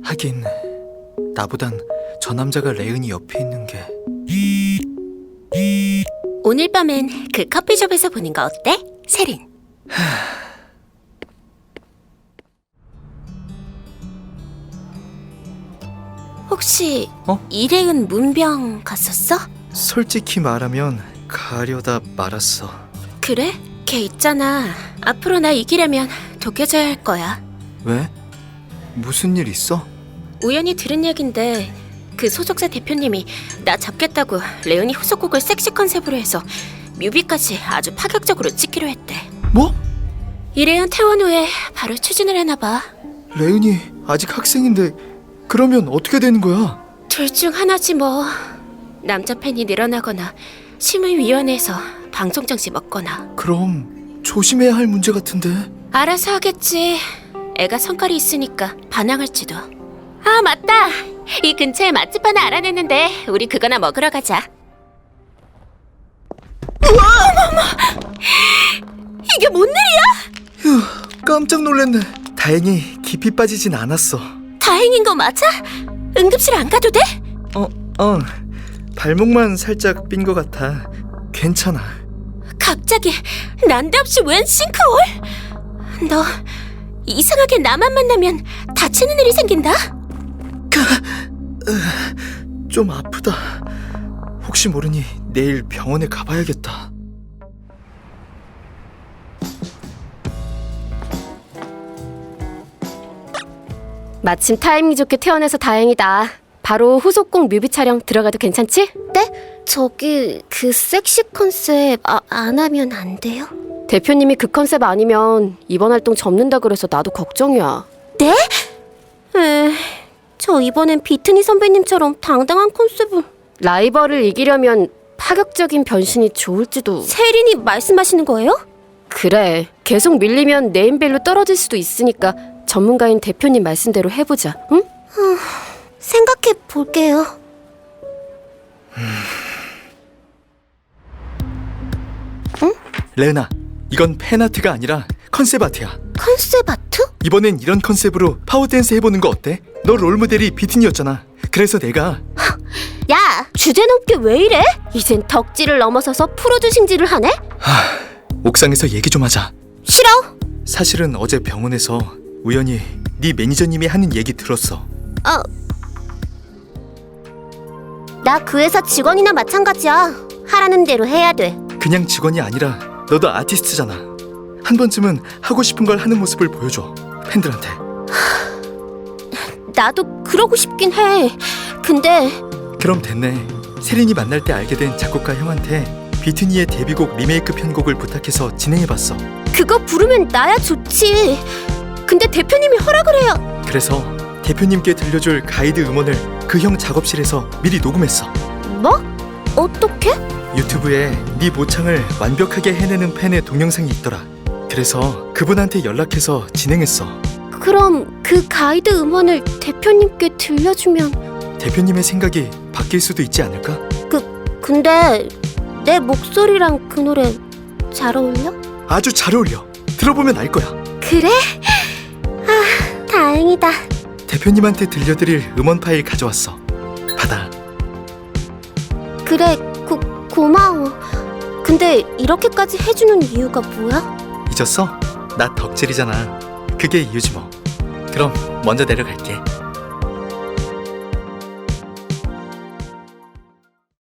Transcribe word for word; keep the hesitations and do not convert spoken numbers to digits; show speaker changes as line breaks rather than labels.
하긴 나보단 저 남자가 레은이 옆에 있는 게.
오늘 밤엔 그 커피숍에서 보는 거 어때? 세린. 혹시
어?
이래은 문병 갔었어?
솔직히 말하면 가려다 말았어.
그래? 걔 있잖아. 앞으로 나 이기려면 독해져야 할 거야.
왜? 무슨 일 있어?
우연히 들은 얘긴데 그 소속사 대표님이 나 잡겠다고 레은이 후속곡을 섹시 컨셉으로 해서 뮤비까지 아주 파격적으로 찍기로 했대.
뭐?
이래은 퇴원 후에 바로 추진을 해나봐.
레은이 아직 학생인데 그러면 어떻게 되는 거야?
둘 중 하나지 뭐. 남자 팬이 늘어나거나 심의위원회에서 방송 정지 먹거나.
그럼 조심해야 할 문제 같은데.
알아서 하겠지. 애가 성깔이 있으니까 반항할지도. 아 맞다. 이 근처에 맛집 하나 알아냈는데 우리 그거나 먹으러 가자. 우와! 어머머! 이게 뭔 일이야?
휴, 깜짝 놀랐네. 다행히 깊이 빠지진 않았어.
다행인 거 맞아? 응급실 안 가도 돼?
어, 어. 발목만 살짝 삔 것 같아. 괜찮아.
갑자기 난데없이 웬 싱크홀? 너 이상하게 나만 만나면 다치는 일이 생긴다?
좀 아프다. 혹시 모르니 내일 병원에 가봐야겠다.
마침 타이밍 좋게 퇴원해서 다행이다. 바로 후속곡 뮤비 촬영 들어가도 괜찮지?
네? 저기 그 섹시 컨셉 아, 안 하면 안 돼요?
대표님이 그 컨셉 아니면 이번 활동 접는다 그래서 나도 걱정이야.
네? 에, 저 이번엔 비트니 선배님처럼 당당한 컨셉을.
라이벌을 이기려면 파격적인 변신이 좋을지도.
세린이 말씀하시는 거예요?
그래, 계속 밀리면 네임밸류 떨어질 수도 있으니까 전문가인 대표님 말씀대로 해보자, 응?
생각해 볼게요.
레은아, 이건 팬아트가 아니라 컨셉 아트야.
컨셉 아트?
이번엔 이런 컨셉으로 파워댄스 해보는 거 어때? 너 롤모델이 비트니였잖아. 그래서 내가.
야, 주제 넘게 왜 이래? 이젠 덕질을 넘어서서 프로듀싱질을 하네?
하, 옥상에서 얘기 좀 하자.
싫어.
사실은 어제 병원에서 우연히 네 매니저님이 하는 얘기 들었어.
어. 나 그 회사 직원이나 마찬가지야. 하라는 대로 해야 돼.
그냥 직원이 아니라 너도 아티스트잖아. 한 번쯤은 하고 싶은 걸 하는 모습을 보여줘, 팬들한테.
나도 그러고 싶긴 해. 근데
그럼 됐네. 세린이 만날 때 알게 된 작곡가 형한테 비트니의 데뷔곡 리메이크 편곡을 부탁해서 진행해봤어.
그거 부르면 나야 좋지. 근데 대표님이 허락을 해요.
그래서 대표님께 들려줄 가이드 음원을 그 형 작업실에서 미리 녹음했어.
뭐? 어떻게?
유튜브에 네 모창을 완벽하게 해내는 팬의 동영상이 있더라. 그래서 그분한테 연락해서 진행했어.
그럼 그 가이드 음원을 대표님께 들려주면.
대표님의 생각이 바뀔 수도 있지 않을까?
그 근데 내 목소리랑 그 노래 잘 어울려?
아주 잘 어울려. 들어보면 알 거야.
그래? 아, 다행이다.
대표님한테 들려드릴 음원 파일 가져왔어. 받아.
그래, 고, 고마워. 근데 이렇게까지 해주는 이유가 뭐야?
잊었어? 나 덕질이잖아. 그게 이유지 뭐. 그럼 먼저 내려갈게.